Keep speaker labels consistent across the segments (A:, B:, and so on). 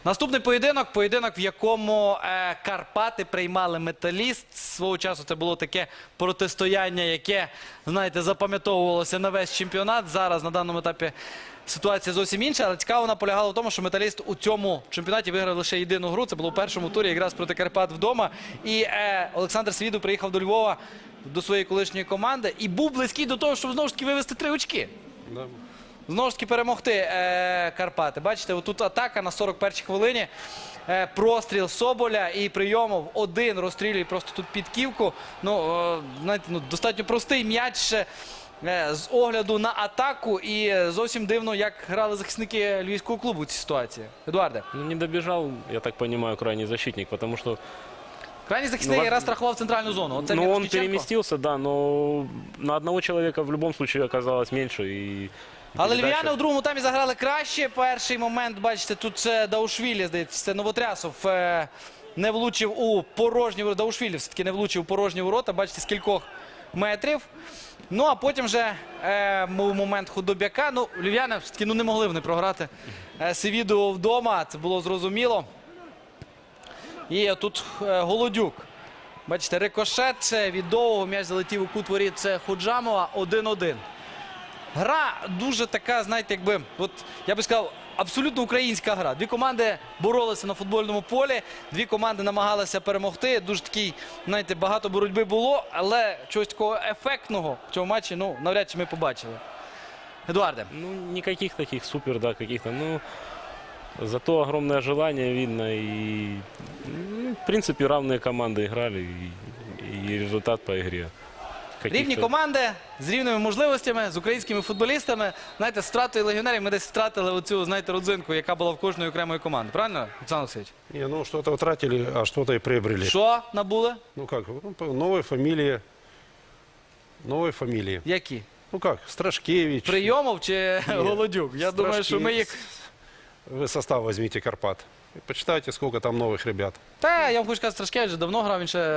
A: Наступний поєдинок, в якому Карпати приймали Металіст. Свого часу це було таке протистояння, яке, знаєте, запам'ятовувалося на весь чемпіонат. Зараз на даному етапі ситуація зовсім інша, але цікаво вона полягала в тому, що Металіст у цьому чемпіонаті виграв лише єдину гру. Це було в першому турі, якраз проти Карпат вдома. І Олександр Свідов приїхав до Львова, до своєї колишньої команди, і був близький до того, щоб знову ж таки вивести 3 очки.
B: Да.
A: Знову ж таки перемогти Карпати. Бачите, отут атака на 41-й хвилині. Простріл Соболя і Прийомов один розстрілює просто тут підківку. Ну, знаєте, достатньо простий м'яч з огляду на атаку. І зовсім дивно, як грали захисники львівського клубу в цій ситуації. Едуарде.
C: Ну, не добежал, я так понимаю, крайний защитник, потому что...
A: Крайній захисник якраз страхував центральну зону. Оце
C: ну, он
A: Мірошниченко.
C: переместился, да, но на одного человека в любом случае оказалось меньше. И
A: Але
C: передача-
A: львів'яни у другому таймі заграли краще. Перший момент, бачите, тут це Даушвілі, здається, це Новотрясов не влучив у порожні ворота. Даушвілі все-таки не влучив у порожні ворота, бачите, з кількох метрів. Ну, а потім вже був момент Худобяка. Ну, львів'яни все-таки не могли вони програти Севіду вдома, це було зрозуміло. І тут Голодюк. Бачите, рикошет від довгого, м'яч залетів у кут воріт, це Худжамова, 1-1. Гра дуже така, знаєте, якби, от я би сказав, абсолютно українська гра. Дві команди боролися на футбольному полі, дві команди намагалися перемогти. Дуже такий, знаєте, багато боротьби було, але чогось такого ефектного в цьому матчі, ну, навряд чи ми побачили. Едуарде.
C: Ну, никаких таких супер, да, каких-то, ну... Зато огромное желание видно. И, ну, в принципе, равные команды играли. И результат по игре.
A: Рівні команди з рівними можливостями, з українськими футболістами. Знаєте, з втратою легіонерів ми десь втратили оцю, знаєте, родзинку, яка була в кожної окремої команди. Правильно, Олександр Олексійович?
B: Не, ну что-то утратили, а что-то и приобрели.
A: Що набули?
B: Ну как, ну, новые фамилии. Новые фамилии.
A: Які?
B: Ну как, Страшкевич.
A: Прийомов чи Голодюк? Я думаю, що ми їх...
B: Вы состав возьмите Карпат. И почитайте, сколько там новых ребят.
A: Та, я вам хочу сказати, Страшкевич вже давно грав, він ще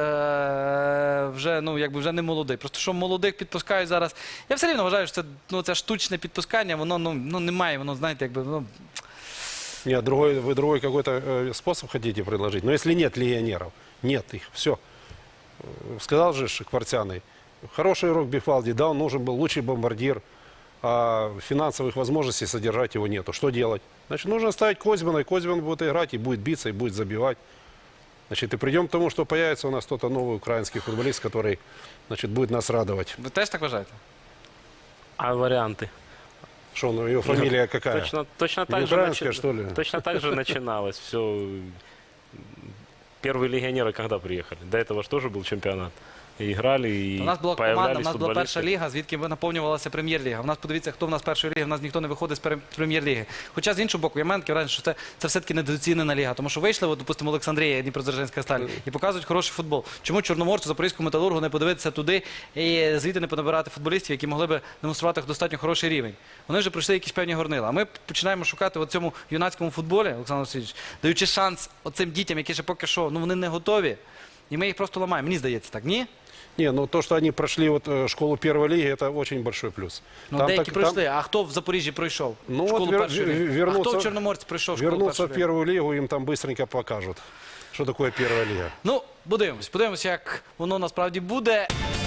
A: вже, ну, якби вже не молодий. Просто що молодих підпускають зараз. Я все рівно вважаю, що це, ну, це штучне підпускання, воно, ну, немає, воно, знаєте, якби, ну...
B: Нет, вы другой какой-то способ хотите предложить. Но если нет легионеров, нет их, все. Сказал же Квартяный, хороший игрок Бифалди, да, он нужен был лучший бомбардир, а финансовых возможностей содержать его нету. Что делать? Значит, нужно ставить Козьмана, и Козьман будет играть, и будет биться, и будет забивать. Значит, и придем к тому, что появится у нас кто-то новый украинский футболист, который, значит, будет нас радовать.
A: Ви теж так вважаєте?
C: А варианты?
B: Что, ну, ее фамилия какая?
C: Точно так
B: Не
C: же
B: украинская, что ли?
C: Точно так же начиналось все. Первые легионеры когда приехали? До этого же тоже был чемпионат. И играли, и
A: У нас була
C: появлялись
A: команда, у нас була перша
C: футболисты.
A: ліга, звідки наповнювалася прем'єр-ліга. У нас, подивіться, хто в нас з першої ліги, у нас ніхто не виходить з прем'єр-ліги. Хоча, з іншого боку, я маю таке враження, що це все-таки недооцінена ліга. Тому що вийшли, от, допустимо, Олександрія, Дніпродзержинська Сталь, і показують хороший футбол. Чому Чорноморцю, Запорізькому Металургу не подивитися туди і звідти не понабирати футболістів, які могли б демонструвати достатньо хороший рівень? Вони вже пройшли якісь певні горнила. А ми починаємо шукати в цьому юнацькому футболі, Олександр Васильович, даючи шанс оцим дітям, які ще поки що, ну, вони не готові. І ми їх просто ламаємо. Мені здається так, ні?
B: Не, ну то, что они прошли вот школу первой лиги, это очень большой плюс.
A: Ну, деякі пройшли, а хто в Запоріжжі пройшов?
B: Ну,
A: Школу
B: от
A: першої ліги? А хто
B: вернуться-
A: в Чорноморці пройшов школу
B: Вернуться
A: першої
B: в
A: ліги?
B: первую лигу, им там быстренько покажут, что такое первая лига.
A: Ну, подивимось, як воно насправді буде.